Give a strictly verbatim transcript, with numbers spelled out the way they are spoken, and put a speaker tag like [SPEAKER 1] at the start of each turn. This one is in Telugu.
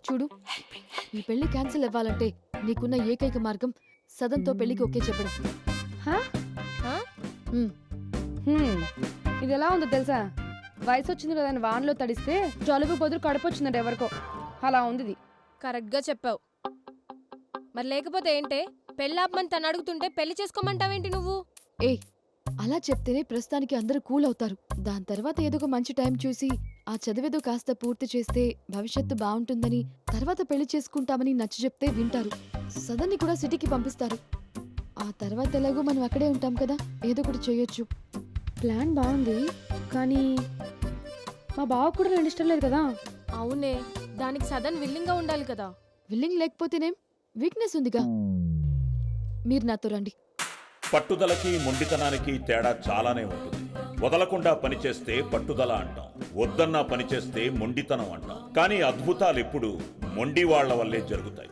[SPEAKER 1] చూడు, ఈ పెళ్లి క్యాన్సిల్ అవ్వాలంటే నీకున్న ఏకైక మార్గం సదన్తో పెళ్లికి ఓకే చెప్పడం.
[SPEAKER 2] హా?
[SPEAKER 3] హా?
[SPEAKER 1] ఉమ్,
[SPEAKER 2] హ్మ్. ఇది ఎలా ఉందో తెలుసా? వయసు వచ్చింది కదా అని వానలో తడిస్తే జలుబు బదులు కడుపు వచ్చిందంట ఎవరికో. అలా ఉంది ఇది.
[SPEAKER 3] కరెక్ట్గా చెప్పావు. మరి లేకపోతే ఏంటే పెళ్ళాపమని తను అడుగుతుంటే పెళ్లి చేసుకోమంటావేంటి నువ్వు?
[SPEAKER 1] ఏ అలా చెప్తేనే ప్రస్తుతానికి అందరూ కూల్ అవుతారు. దాని తర్వాత ఏదో ఒక మంచి టైం చూసి ఆ చదివేదో కాస్త పూర్తి చేస్తే భవిష్యత్తు బాగుంటుందని, తర్వాత పెళ్లి చేసుకుంటామని నచ్చ చెప్తే వింటారు. సదన్ని కూడా సిటీకి పంపిస్తారు. ఆ తర్వాత ఎలాగో మనం అక్కడే ఉంటాం కదా, ఏదో ఒకటి చేయొచ్చు.
[SPEAKER 2] ప్లాన్ బాగుంది, కానీ మా బావ కూడా రెండు ఇష్టం లేదు కదా.
[SPEAKER 3] అవునే, దానికి సదన్ విల్లింగ్గా ఉండాలి కదా.
[SPEAKER 1] విల్లింగ్ లేకపోతేనేం, వీక్నెస్ ఉందిగా. మీరు నాతో రండి.
[SPEAKER 4] పట్టుదలకి మొండితనానికి తేడా చాలానే ఉంటుంది. వదలకుండా పనిచేస్తే పట్టుదల అంటాం, వద్దన్నా పనిచేస్తే మొండితనం అంటాం. కానీ అద్భుతాలు ఎప్పుడు మొండి వాళ్ల వల్లే జరుగుతాయి.